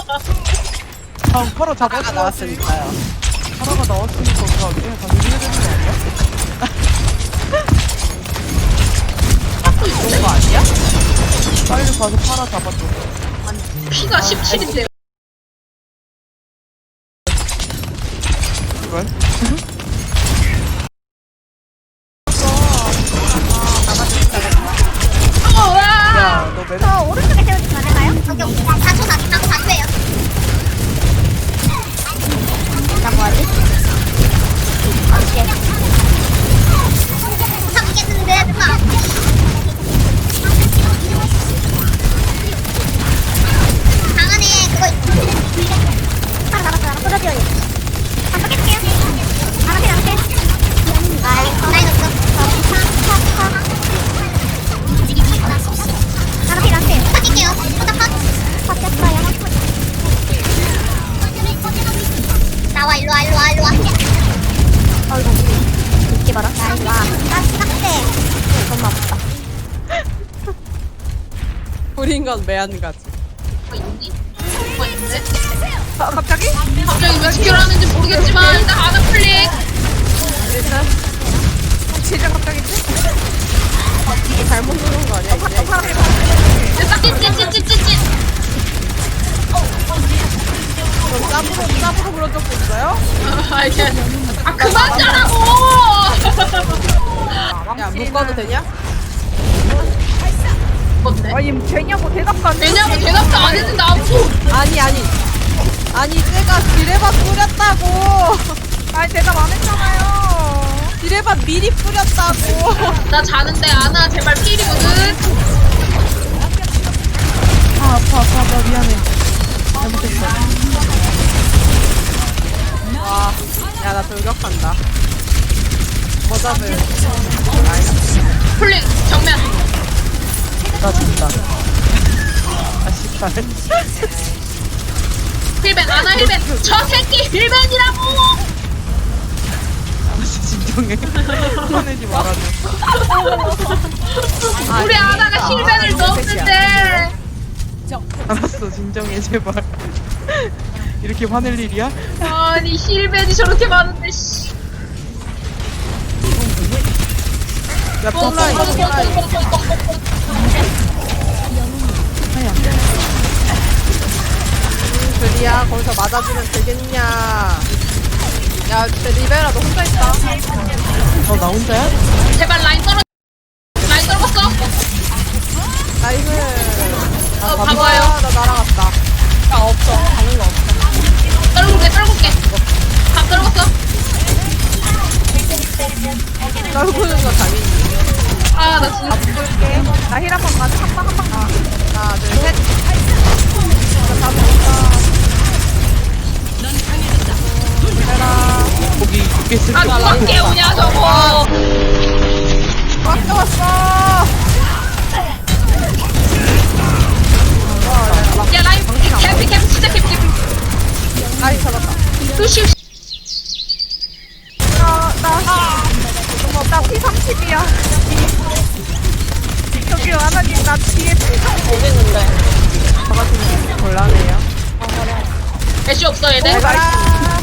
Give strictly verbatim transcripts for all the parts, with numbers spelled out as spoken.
다음 파라 잡아가 나왔으니까요. 파라가 나왔으니까 다 그냥 다 밀려야 되는 거 아니야? 그런 거 아니야? 빨리 가서 파라 잡아줘. 피가 십칠인데요. 이걸? 어, 와! 야, 너 매력 저 오른쪽에 세워주면 안 될까요? 여기 여기 나 다초 다 다초 다초예요. 나 뭐하지? 오케이. 잡겠는데 누가? 강안에 그거 하나 남았어. 하나 쏟아지어요. 한번 깰게요. 하나 킬, 하나 킬. 나이 나이 넣었어. 하나 킬, 하나 킬. 컷할게요. 컷, 컷. 컷했어요. 나와 일로 와 일로 와 일로 와. 아이고 이렇게 봐라. 나 일로 와. 나 싹대. 너무 아프다. 우린 건 매한가지. 뭐 있니? 뭐 있는데? 아, 갑자기? 갑자기 왜 지켜라는지 모르겠지만 일단 하나 클릭. 일단 진짜 갑자기 이게 잘못 누른 거 아니야 이제? 일단 찌찌찌찌찌찌. 그럼 짭으로 짭으로 그런 적도 있어요? 아 이게 아 그만 짜라고. 야 묶어도 되냐? 뭔데? 아니 되냐고 대답도 안 왜냐면 대답도 안 했는데 아무도. 아니 아니 아니 쟤가 디레바 뿌렸다고. 아니 대답 안 했잖아요. 디레바 미리 뿌렸다고. 나 자는데 아나 제발 필이거든. 아 아파 아파 아파 미안해. 잘못했어. 와, 야 나 돌격한다. 뭐 잡을? 플릭 정면. 나 진짜. 아 씨발. 힐벤 아나 힐벤. 저 새끼 힐벤이라고. 아씨 진정해. 화내지 말아줘. 우리 아나가 힐벤을 넣었는데. 알았어 진정해 제발. 이렇게 화낼 일이야? 아니 힐벤이 저렇게 많은데 씨. 야 뽕라인 뽕라인. 아야. 드리야 거기서 맞아주면 되겠냐? 야, 쟤 리베라 너 혼자 있다. 어 나 혼자야? 제발 라인 떨어. 라인 떨궜어. 나이스. 어 아, 봐봐요. 나 날아갔다. 야 없어. 가는 거 없어. 떨굴게 떨굴게. 다 떨궜어. 떨구는 거 당연히. 아나 진짜. 볼게. 나 힐 한 번 가자. 한 방, 한 방. 아. 하나, 둘, 셋. 나 잡았다. 리베라. 거기 두개 쓸 아 게 누가 없어. 깨우냐 저거. 왔어, 왔어. 야 라인 캠피 캠피 진짜 캠피 캠피. 아이, 잡았다. 루시. 나, 나, 나 피 삼십이야. 저기 하나님, 나 뒤에 피 삼십 오겠는데. 잡아주면 곤란해요. 애쉬 없어 얘네. 내가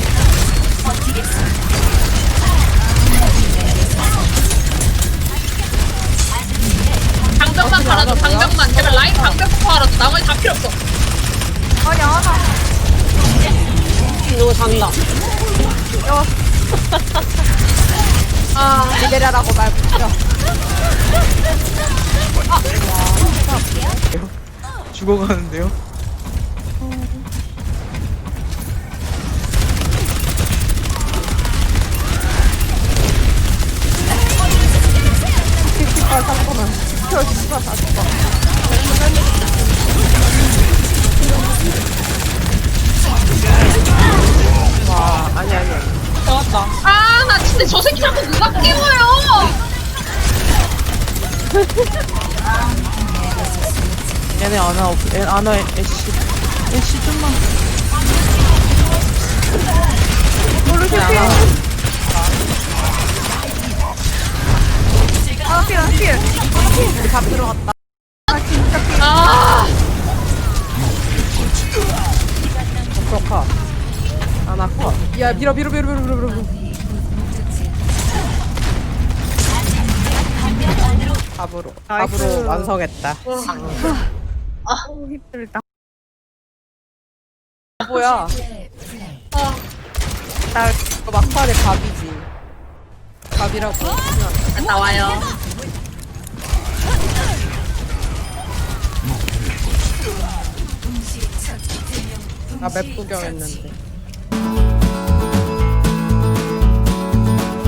방벽만 팔아줘 방벽만. 제발 라인 방벽 팔아줘. 나머지 다 필요 없어. 아니, 하나. 이거 잔다. 야. 아, 리베라라고 말 붙여. 죽어가는데요? 아, 잠깐만. 저 씨발 다 죽어. 와, 아니, 아니. 나왔다. 아나 진짜 저 새끼 자꾸 누가 깨워요. 얘네 아나 없, 애, 아나 애쉬 애쉬 좀만. 모르겠어요. 아, 필, 아, 필. 우리 밥 들어갔다. 아, 진짜 필. 아 위도 컷. 아나 컷. 야 밀어 밀어 밀어 밀어 밀어 밀어. 밥으로 나이스. 밥으로 완성했다. 힘들다. 뭐야? 나 이거 막판에 밥이지. 밥이라고. 갔다 와요. 나 맵 구경했는데.